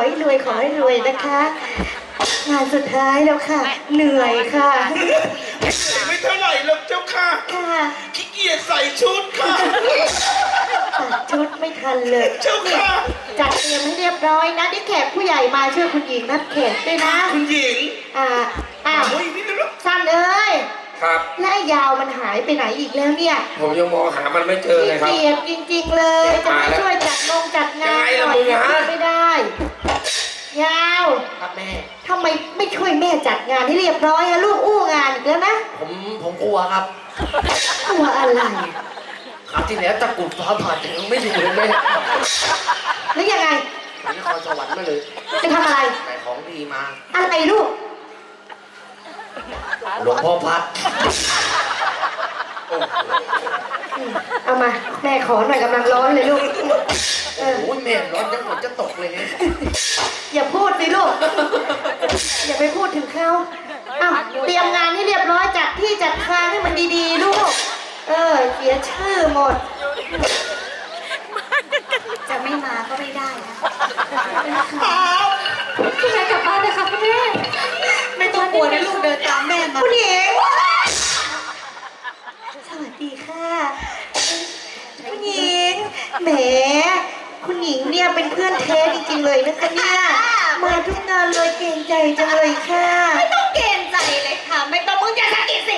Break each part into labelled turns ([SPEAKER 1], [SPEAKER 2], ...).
[SPEAKER 1] ให้รวยขอให้รวยนะคะ งานสุดท้ายแล้วค่ะ เหนื่อยค่ะ
[SPEAKER 2] ไม่เท่าไหร่หรอกเจ้าค่ะ
[SPEAKER 1] ค่ะ
[SPEAKER 2] ขี้เกียจใส่ชุดค่ะ
[SPEAKER 1] ตัดชุดไม่ทันเลย
[SPEAKER 2] เจ้าค่ะ
[SPEAKER 1] จัดเตรียมให้เรียบร้อยนะที่แขกผู้ใหญ่มาช่วยคุณหญิงนัดแขกด้วยนะ
[SPEAKER 2] คุณหญิง
[SPEAKER 1] อ้าว
[SPEAKER 2] นี่นะ
[SPEAKER 1] สั้นเอ้ย
[SPEAKER 3] ครับ
[SPEAKER 1] และไอ้ยาวมันหายไปไหนอีกแล้วเนี่ย
[SPEAKER 3] ผมยังมองหามันไม่เจอเลยครับ
[SPEAKER 1] เกียดจริงๆเลยจะมาช่วยจัดจัดงาน
[SPEAKER 3] ยังไงล่ะมึงฮะ
[SPEAKER 1] ไม่ได้ ยาว
[SPEAKER 3] ครับแม่
[SPEAKER 1] ทำไมไม่ช่วยแม่จัดงานให้เรียบร้อยอะลูกอู้งานอีกแล้วนะ
[SPEAKER 3] ผมกลัวครับ
[SPEAKER 1] กลัวอะไร
[SPEAKER 3] ครับที่แล้วตะกรุดฟ้าผ่ายังไม่อยู่เลยแม่
[SPEAKER 1] แล้วยังไง
[SPEAKER 3] ไปนครสวรรค์มาเลย
[SPEAKER 1] จะทำอะไร
[SPEAKER 3] แต่ของดีมา
[SPEAKER 1] อะไรลูก
[SPEAKER 3] หลวงพ่อพัด
[SPEAKER 1] เอามาแม่ขอหน่อยกำลังร้อนเลยลูก
[SPEAKER 3] โอ้โหแม่ร้อนจังหมดจะตกเลยเนี่ย
[SPEAKER 1] อย่าพูดสิลูก อย่าไปพูดถึงเขาอ้าวเตรียมงานให้เรียบร้อยจัดที่จัดทางให้มันดีๆลูก เสียชื่อหมด
[SPEAKER 4] จะไม่มาก็ไม่ได้นะ
[SPEAKER 1] คุณแม่กลับบ้านเลยค่ะคุณแม่
[SPEAKER 4] ไม่ต้องกลัวนะลูกเดินตามแม่มา
[SPEAKER 1] คุณหญิงสวัสดีค่ะคุณหญิงแหมคุณหญิงเนี่ยเป็นเพื่อนแท้จริงๆเลยนะคะเนี่ยมาทุกงานเลยเกรงใจจังเลยค่ะ
[SPEAKER 4] ไม่ต้องเกรงใจเลยค่ะ ไม่ต้องมึงจะสะกิดสิ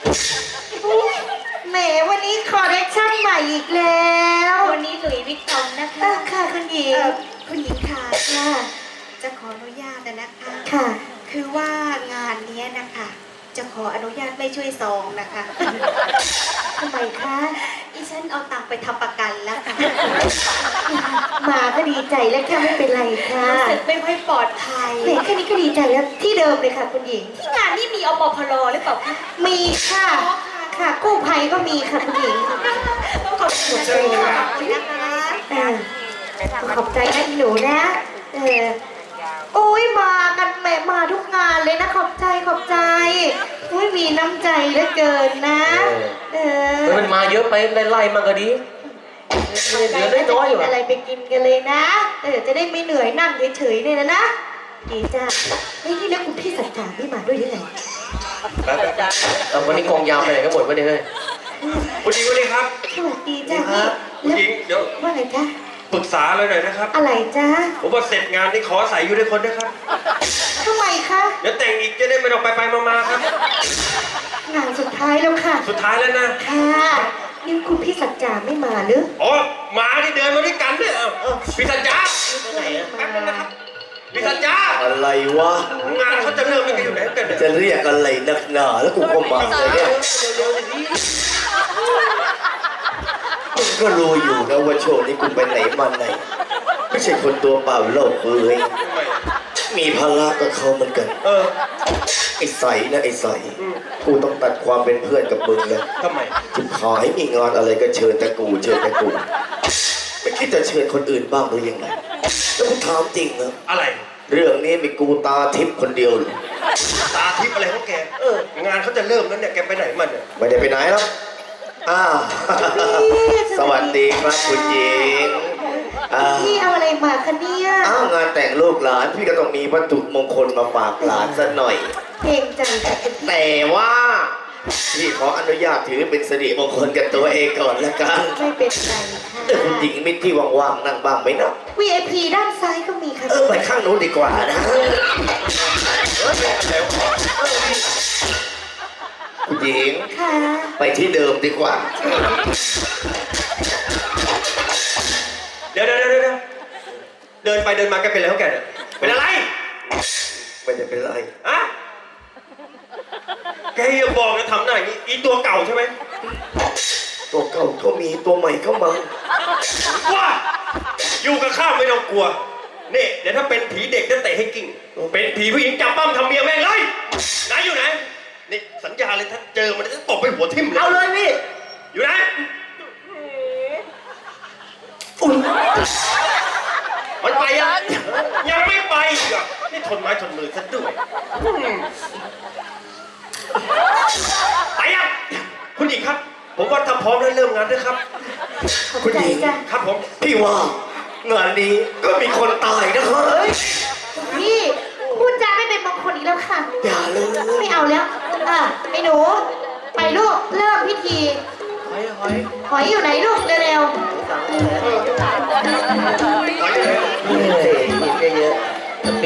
[SPEAKER 1] แหมวันนี้คอลเลคชั่นใหม่อีกแล้ว
[SPEAKER 4] วันนี้หลุยส์วิตตองนะคะ
[SPEAKER 1] ค่ะคุณหญิง
[SPEAKER 4] คุณหญิงค่ะ
[SPEAKER 1] ค่ะ
[SPEAKER 4] จะขออนุญาตนะคะ
[SPEAKER 1] ค่ะ
[SPEAKER 4] คือว่างานเนี้ยนะคะ จะขออนุญาตไม่ช่วยซองนะคะ
[SPEAKER 1] ทำไมคะ
[SPEAKER 4] ดิฉันเอาตังค์ไปทำประกันแล้วค่ะ
[SPEAKER 1] มาก็ดีใจแล้วค่ะไม่เป็นไรค่ะ
[SPEAKER 4] รู้สึกไม่ค่อยปลอดภัย
[SPEAKER 1] แหมแค่นี้ก็ดีใจแล้วที่เดิมเลยค่ะคุณหญิง
[SPEAKER 4] ที่งานนี่มีอปพลหรือเปล่าคะ
[SPEAKER 1] มีค่ะ ค่ะกู้ภัยก็มีค่ะคุณหญิง
[SPEAKER 4] ต้องขอบคุณนะคะขอบคุณนะคะ
[SPEAKER 1] ขอบใจนะอีหนูนะ โอ้ยมากันแม่มาทุกงานเลยนะขอบใจขอบใจโอ้ยมีน้ำใจเหลือเกินนะ
[SPEAKER 3] มันมาเยอะไปไล่ๆมันก็ดี
[SPEAKER 1] ขอบใจ
[SPEAKER 3] เหลือ
[SPEAKER 1] นะจะ
[SPEAKER 3] น้อยๆอ
[SPEAKER 1] กิ
[SPEAKER 3] ยู่
[SPEAKER 1] น
[SPEAKER 3] อะ
[SPEAKER 1] อะไรไปกินกันเลยนะ จะได้ไม่เหนื่อยนั่งเฉยๆเนี่ยนะดีจ้านี่แล้วคุณพี่สัจจาไม่มาด้วยหรือไง
[SPEAKER 3] แต่วันนี้กองยาวไปไหนก็หมดวะเนี่ยเฮ้ย
[SPEAKER 2] คุณหญิงวันนี้ครับ
[SPEAKER 1] สวัสดีจ้า
[SPEAKER 2] คุณหญิงเดี๋ยว
[SPEAKER 1] ว่าไงจ้า
[SPEAKER 2] ปรึกษาเลยหน่อยนะครับ
[SPEAKER 1] อะไรจ้า
[SPEAKER 2] ผมว่าเสร็จงานนี่ขอใส่อยู่ด้วยคนนะครับ
[SPEAKER 1] ทำไมคะ
[SPEAKER 2] เดี๋ยวแต่งอีกจะได้ไม่ต้องไปมาๆครับ
[SPEAKER 1] งานสุดท้ายแล้วค่ะ
[SPEAKER 2] สุดท้ายแล้วนะ
[SPEAKER 1] ค่ะนี่คุณพี่สัจจาไม่มาหรือ
[SPEAKER 2] อ๋อหมาที่เดินมาด้วยกันเนี่ยพี่สัญญา
[SPEAKER 3] ไปไหนอะ
[SPEAKER 2] แป๊บนึงนะครับพี่สัญญา
[SPEAKER 5] อะไรวะ
[SPEAKER 2] งานเขาจะเริ่มยังไงอยู่ไหนกันเนี่ย
[SPEAKER 5] จะเรียกอะไรนักหนาแล้วกูก็มาเลยเนี่ยมึงก็รู้อยู่นะว่าช่วงนี้กูไปไหนมาไหน ไม่ใช่คนตัวเปล่าโลกเอ้ยมีภาระกับเขาเหมือนกัน ไอ้ใสนะไอ้ใสกูต้องตัดความเป็นเพื่อนกับมึงเลย
[SPEAKER 2] ทำไม
[SPEAKER 5] จุดขอให้มีงานอะไรก็เชิญแต่กูเชิญแต่กูไม่คิดจะเชิญคนอื่นบ้างหรือยังไงแล้วกูถามจริงนะ
[SPEAKER 2] อะไร
[SPEAKER 5] เรื่องนี้มีกูตาทิพย์คนเดียวเลย
[SPEAKER 2] ตาทิพย์อะไรของแกงานเขาจะเริ่มแล้วเนี่ยแกไปไหนมาเนี่ย
[SPEAKER 5] ไม่ได้ไปไหนหรอกอ้าวสวัสดีครับคุณหญิง
[SPEAKER 1] พี่เอาอะไรมาคะเนี่ย
[SPEAKER 5] อ้าวงานแต่งลูกหลานพี่ก็ต้องมีวัตถุมงคลมาฝากหลานสักหน่อย
[SPEAKER 1] เก่งจังค่ะคุณพี่
[SPEAKER 5] แต่ว่าพี่ขออนุญาตถือเป็นสิริมงคลกับตัวเองก่อนละกัน
[SPEAKER 1] ไม่เป็นไรค่ะ
[SPEAKER 5] คุณหญิงมิตรที่ว่างๆนั่งบ้างไหมนะ
[SPEAKER 1] VIP ด้านซ้ายก็มีค่ะ
[SPEAKER 5] ไปข้างนู้นดีกว่านะคุณหญิง
[SPEAKER 1] ค่ะ
[SPEAKER 5] ไปที่เดิมดีกว่า
[SPEAKER 2] เดี๋ยวเดินไปเดินมาแกเป็นอะไรของแกเนี่ยเป็นอะไร
[SPEAKER 5] ไม่ได้เป็นไร
[SPEAKER 2] อะแกอย่าบอกนะทำหน้าอย่างนี้อีตัวเก่าใช่ไหม
[SPEAKER 5] ตัวเก่าก็มีตัวใหม่ก็มา
[SPEAKER 2] ว่าอยู่กับข้าไม่ต้องกลัวนี่เดี๋ยวถ้าเป็นผีเด็กจะเตะให้กิ้งเป็นผีผู้หญิงจับปั้มทำเมียแม่งเลยไหนอยู่ไหนนี่สัญญาเลยถ้าเจอมันจะตบไปหัวทิ่มเลย
[SPEAKER 3] เอาเลยพี่
[SPEAKER 2] อยู่ไหน
[SPEAKER 5] อุ้ย
[SPEAKER 2] มันไปยังไม่ไปอีกอ่ะนี่ทนไม้ทนมือซะด้วยไปอ่ะคุณหญิงครับ ผมว่าถ้าพร้อมแล้วเริ่มงานด้วยครับ
[SPEAKER 1] ขอบใจจ้ะ
[SPEAKER 2] ครับผม
[SPEAKER 5] พี่ว่างานนี้ก็มีคนตายนะครับ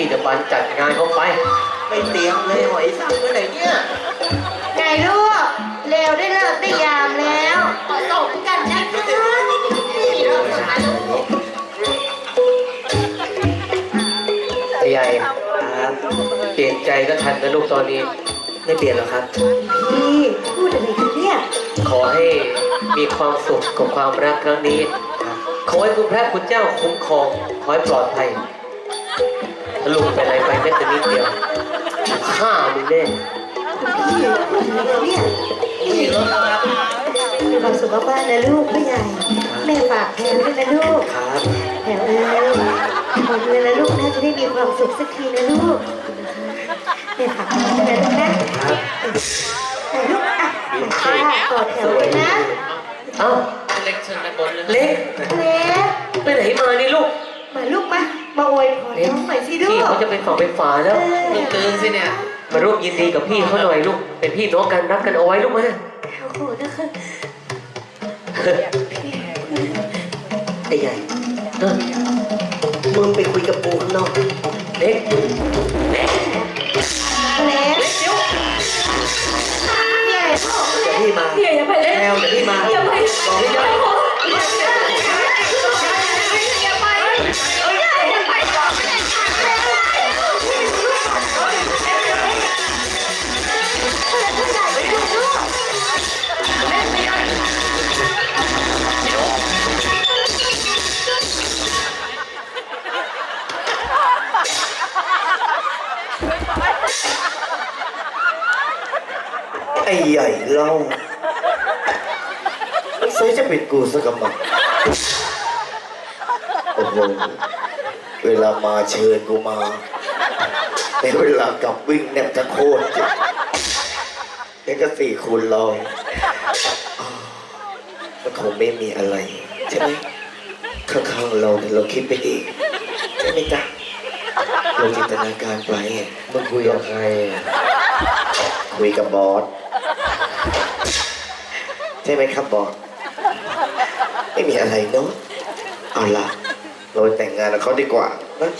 [SPEAKER 3] จะบันจัดงานเข้าไป
[SPEAKER 5] ไม่เตรียมเลยหอยสังไปไหนเนี่ย
[SPEAKER 1] ไงลูกเร็วได้เลิกได้ยามแล้ว
[SPEAKER 4] ขอส่งกันนะคะ
[SPEAKER 3] ไอ้ใหญ่เปลี่ยนใจก็ทันนะลูกตอนนี้
[SPEAKER 5] ไม่เปลี่ยนหรอกครับ
[SPEAKER 1] พี่พูดอะไรกันเนี่ย
[SPEAKER 3] ขอให้มีความสุขกับความรักครั้งนี้ ขอให้คุณพระคุณเจ้าคุ้มครอง ขอให้ปลอดภัยถ้าลุงเป็นอะไรไปแม้แต่นิดเดียวฆ่ามึงแน่
[SPEAKER 1] พี่พูดอะไรกันเนี่ยมีความสุขมากๆนะลูกพ่อใหญ่ แม่ฝากแพลวด้วยนะลูก
[SPEAKER 5] ครับ
[SPEAKER 1] แพลวเอ้ยขอเงินนะลูกนะจะได้มีความสุขสักทีนะลูกแม่ฝากแพลวด้วยนะลูกนะแต่ลูกอ่ะกอดแถวเลยนะ
[SPEAKER 3] เอ้า
[SPEAKER 6] เล็กเชิญด้านบนเลย
[SPEAKER 3] เล็ก
[SPEAKER 1] เล็ก
[SPEAKER 3] ไปไหนมานี่ลูก
[SPEAKER 1] มาลูกมาอวยพรน้องหน่อยสิลู
[SPEAKER 3] พี่
[SPEAKER 1] ก
[SPEAKER 3] เขาจะเป็นฝั่งเป็นฝาแล้ว
[SPEAKER 6] ลูกตื่นสิเนี่ย
[SPEAKER 3] มาร่วมยินดีกับพี่เขาหน่อยลูก เป็นพี่น้องกันรักกันเอาไว้ลูกมา
[SPEAKER 1] โอ้โหนะคะ
[SPEAKER 5] ไอ้ใหญ่
[SPEAKER 3] เออ
[SPEAKER 5] มึงไปคุยกับปูข้างนอก
[SPEAKER 3] เล็ก
[SPEAKER 1] เล็กใหญ่
[SPEAKER 5] เดี๋ยวพี่มา
[SPEAKER 1] ใหญ่อย่าไปเล็ก
[SPEAKER 5] แมวเดี๋ยวพี่มา
[SPEAKER 1] อย่าไป
[SPEAKER 5] บอกให้ได้ ไอ้ใหญ่เล่าไม่ใช่จะเป็นกูสักกำมังโอ้โหเวลามาเชิญกูมาในเวลากลับวิ่งแนบจะโคตรเจ็บนี่ก็4 คูณ 100มันคงไม่มีอะไร ใช่ไหมข้างๆเราเนี่ยเราคิดไปเองใช่ไหมจ๊ะเราจินตนาการไป
[SPEAKER 3] มึงคุยกับใคร
[SPEAKER 5] คุยกับบอสใช่ไหมครับบอสไม่มีอะไรเนาะเอาล่ะเราแต่งงานกับเขาดีกว่านะ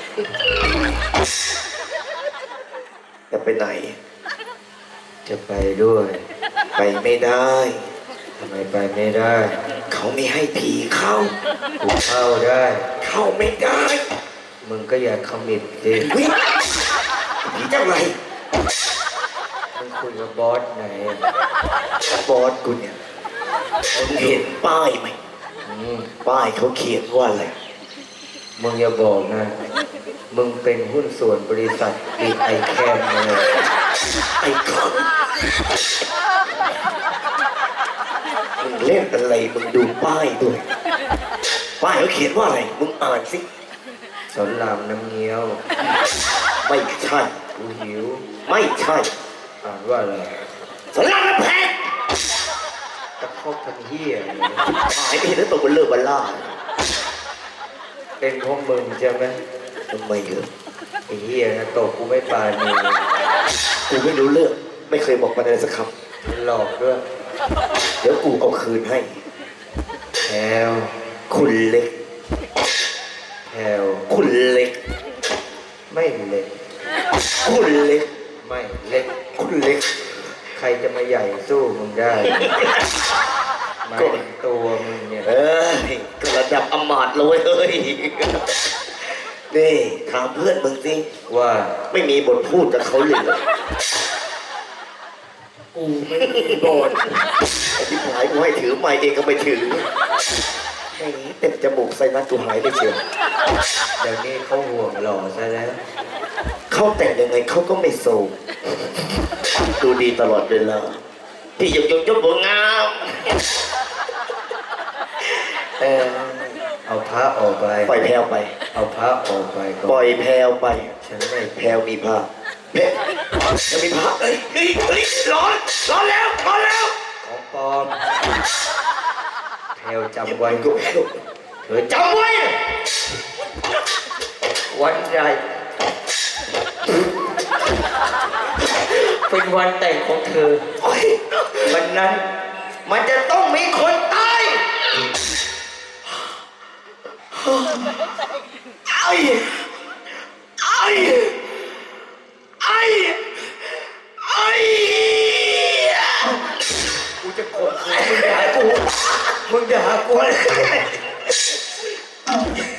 [SPEAKER 5] จะไปไหน
[SPEAKER 3] จะไปด้วย
[SPEAKER 5] ไปไม่ได้
[SPEAKER 3] ทำไมไปไม่ได้
[SPEAKER 5] เขาไม่ให้ผีเข้า
[SPEAKER 3] กูเข้าได้
[SPEAKER 5] เข้าไม่ได้
[SPEAKER 3] มึงก็อย่าคอมมิตสิ
[SPEAKER 5] วิผีเจ้าไร
[SPEAKER 3] มึงคุยกับบอสไหน
[SPEAKER 5] บอสกูเนี่ยมึงเห็นป้ายไหม
[SPEAKER 3] อืม
[SPEAKER 5] ป้ายเขาเขียนว่าอะไร
[SPEAKER 3] มึงอย่าบอกนะ มึงเป็นหุ้นส่วนบริษัทบีไอแคมเลย
[SPEAKER 5] ไอ้คอนมึงเล่นอะไรมึงดูป้ายด้วยป้ายเขาเขียนว่าอะไร มึงอ่านสิ
[SPEAKER 3] สอนรามน้ำเงี้ยว
[SPEAKER 5] ไม่ใช่
[SPEAKER 3] กูหิว
[SPEAKER 5] ไม่ใช่
[SPEAKER 3] อ่านว่าอะไร
[SPEAKER 5] สลับน้ำแพง
[SPEAKER 3] ตะคอกทำเหี้ยอะไร
[SPEAKER 5] หายไปเห็นแล้วตัวเบลเลอร์บัลล่า
[SPEAKER 3] เป็นพวกมึงใช่ไหม
[SPEAKER 5] ทำไมเหรอ
[SPEAKER 3] ไอ้เหี้ยนะตกกูไม่ปานี
[SPEAKER 5] กูไม่รู้เรื่อง ไม่เคยบอกมันอะไรสักค
[SPEAKER 3] มันหลอกด้วย
[SPEAKER 5] ำเดี๋ยวกูเอาคืนให้
[SPEAKER 3] แพลว
[SPEAKER 5] คุณเล็ก
[SPEAKER 3] แพลว
[SPEAKER 5] คุณเล็ก
[SPEAKER 3] ไม่เล็ก
[SPEAKER 5] คุณเล็ก
[SPEAKER 3] ไม่เล็ก
[SPEAKER 5] คุณเล็ก
[SPEAKER 3] ใครจะมาใหญ่สู้มึงได้หมายถึงตัวมึงเนี่ย
[SPEAKER 5] เอ้ยก็ระดับอำมาตย์เลยเฮ้ย นี่ถามเพื่อนมึงสิ
[SPEAKER 3] ว่า
[SPEAKER 5] ไม่มีบทพูดกับเขาเลยเหรอกูไม่มีบทไอ้ที่หายกูให้ถือไม้เองก็ไม่ถือไอ้นี้เต็มจมูกใส่นัดกูหายไปเชียว
[SPEAKER 3] เดี๋ยวนี้เขาห่วงหล่อซะแล้ว
[SPEAKER 5] เขาแต่งยังไงเขาก็ไม่โศกดูดีตลอดเวลาพี่ยกบัวงาม
[SPEAKER 3] เอาพระออกไป
[SPEAKER 5] ปล่อยแพรวไป
[SPEAKER 3] เอาพระออกไปก่
[SPEAKER 5] ปล่
[SPEAKER 3] อ
[SPEAKER 5] อน ยแพรวไป
[SPEAKER 3] ฉันไม่
[SPEAKER 5] แพรวมีผ้าแพรวจะมีผ้าเอ้ยเฮ้ยเฮ้ยร้อนแล้วร้อนแล้ว
[SPEAKER 3] ของปลอมแพลวจำไว้
[SPEAKER 5] ก็แพรว
[SPEAKER 3] เธอจำไว้ วันใดเป็นวันแต่งของเธอ
[SPEAKER 5] โอ้ย
[SPEAKER 3] วันนั้นมันจะต้องมีคนตาย
[SPEAKER 5] ไอ้ไอ้กูจะข่มขืนมึงด่ากูมึงด่ากู